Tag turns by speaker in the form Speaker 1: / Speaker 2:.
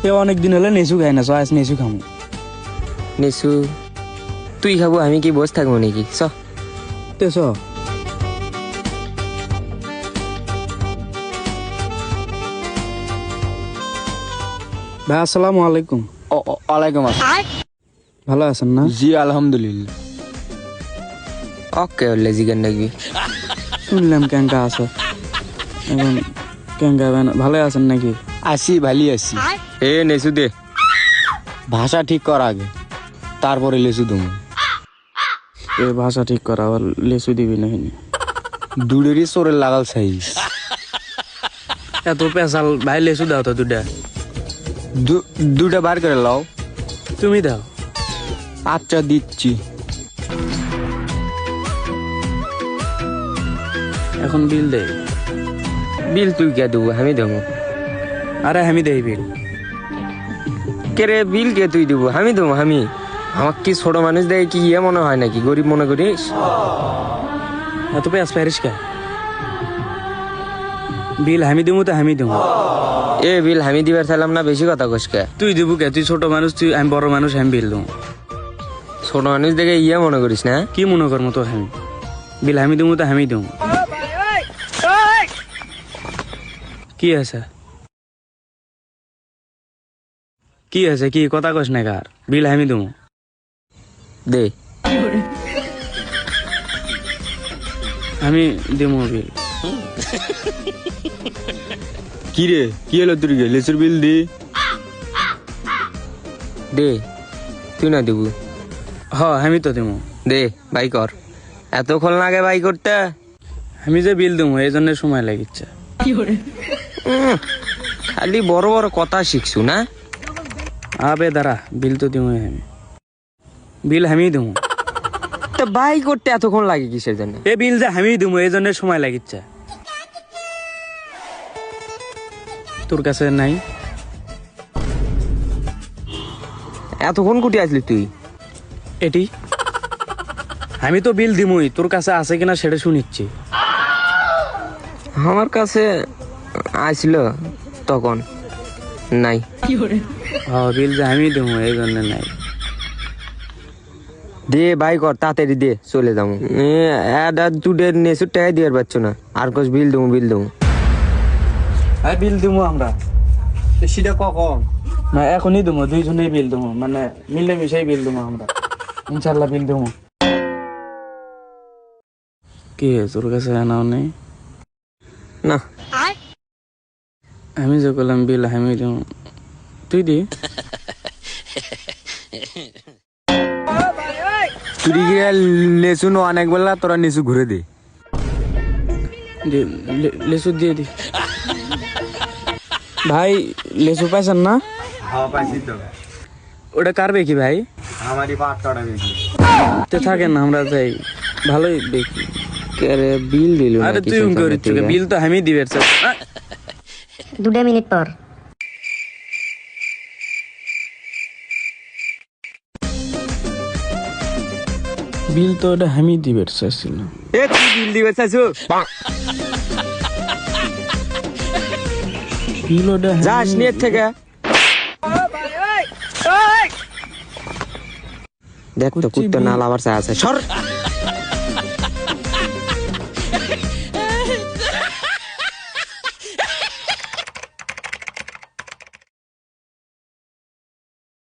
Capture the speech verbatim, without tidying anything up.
Speaker 1: এ অনেক দিন হলে নেসু খাই না, চ আজ নেসু খামু।
Speaker 2: নেসু তুই খাবো, আমি কি বস থাকবো নাকি? চ
Speaker 1: তে চ। ভাই আসসালামু আলাইকুম।
Speaker 3: ওয়ালাইকুম আসসালাম।
Speaker 1: ভালো আছেন না?
Speaker 3: জি আলহামদুলিল্লাহ।
Speaker 2: ওকে হলে জিগান নাকি?
Speaker 1: শুনলাম ক্যাঙ্কা আছে এখন, ক্যাঙ্কা ভালো আছেন নাকি?
Speaker 3: আসি ভালি আছি।
Speaker 2: এ নেসু দে।
Speaker 3: ভাষা ঠিক কর আগে, তারপরে লেসু তুমি।
Speaker 1: এ ভাষা ঠিক করা, আবার লেসু দিবি না?
Speaker 3: দুড়েরই চোরের লাগাল সাইজ।
Speaker 1: এত পেশাল ভাই, লেসু দাও তো দুটা।
Speaker 3: দুটা বার করে লাও।
Speaker 1: তুমি দাও।
Speaker 3: আচ্ছা দিচ্ছি।
Speaker 1: এখন বিল দে।
Speaker 2: বিল তুই কে দেবো? আমি দেবো।
Speaker 1: আরে আমি দেই বিল।
Speaker 2: কে রে বিল কে তুই দেবো? আমি দেবো। আমি আমার কি ছোট মানুষ দেখে কি ইয়ে মনে হয় নাকি? গরিব মনে করিস?
Speaker 1: এত পেঁয়াজ প্যারিস কে? বিল আমি দেবো তো আমি দেবো।
Speaker 2: এ বিল আমি দিবার চাইলাম না, বেশি কথা কস কে?
Speaker 1: তুই দেবো কে? তুই ছোট মানুষ, তুই আমি বড় মানুষ, আমি বিল দেবো।
Speaker 2: ছোট মানুষ দেখে ইয়ে মনে করিস না?
Speaker 1: কি মনে করবো তো? আমি বিল আমি দেবো তো আমি দেবো। কি আছে কি আছে কি কথা কস না কার? বিল আমি দেবো।
Speaker 2: দে।
Speaker 1: আমি দেবো বিল।
Speaker 3: কি রে, কি হলো তোর? গে লেসুর বিল দি।
Speaker 2: দে। তুই না দেবো?
Speaker 1: হ আমি তো দেবো।
Speaker 2: দে বাই কর। এতক্ষণ লাগে বাই করতে?
Speaker 1: আমি যে বিল দেবো এই জন্য সময় লাগিচ্ছে।
Speaker 2: উম, খালি বড় বড় কথা শিখছু না?
Speaker 1: আবে দাঁড়া, বিল তো দেবো আমি। বিল আমি দেবো।
Speaker 2: তা বাই করতে এতক্ষণ লাগে কিসের জন্য?
Speaker 1: এ বিল যে আমি দেবো এই জন্য সময় লাগিচ্ছে। তোর কাছে নাই?
Speaker 2: এতক্ষণ কুটি আসলি তুই?
Speaker 1: এটি আমি তো বিল দিমই, তোর কাছে আছে কিনা সেটা শুনিচ্ছি।
Speaker 2: আমার কাছে আসলো তখন নাই।
Speaker 1: হ্যাঁ বিল যে আমি দেবো এই জন্য নাই।
Speaker 2: দে বাই কর তাড়াতাড়ি দে, চলে যাবো। তুই নেসুর টাকা দিয়ে পারছো না, আর কোস বিল দেবো বিল দেবো।
Speaker 1: হ্যাঁ বিল দেবো আমরা।
Speaker 3: সেটা কখন?
Speaker 1: না এখনই দেবো, দুইজনেই বিল দেবো, মানে মিলে মিশাই বিল দেবো আমরা, ইনশাল্লাহ বিল দেবো। কি তোর কাছে আনাও নেই?
Speaker 2: না
Speaker 1: আমি যে করলাম বিল আমি দেবো, তুই দি।
Speaker 3: তুই গিয়ে লেসু নো অনেক বেলা তোরা নিচু ঘুরে দে।
Speaker 1: লেসু দিয়ে দি। ভাই লেসু পাইছেন না?
Speaker 3: হ্যাঁ পাইছি তো।
Speaker 1: ওটা কার বেকি ভাই?
Speaker 3: আমারই পাঁচটা বেশি।
Speaker 1: তে থাকেন না, আমরা যাই, ভালোই দেখি।
Speaker 2: কে বিল দিল?
Speaker 1: আরে তুই করিস বিল তো আমি দিবে।
Speaker 4: দুটো মিনিট পর
Speaker 1: বিল তো ওটা আমি দিবে চাইছিল।
Speaker 2: এ তুই বিল দিবে চাইছু?
Speaker 1: বিল ওটা
Speaker 2: যাস নিয়ে থেকে দেখ তো কুত্তা নাল আবার আছে। সর।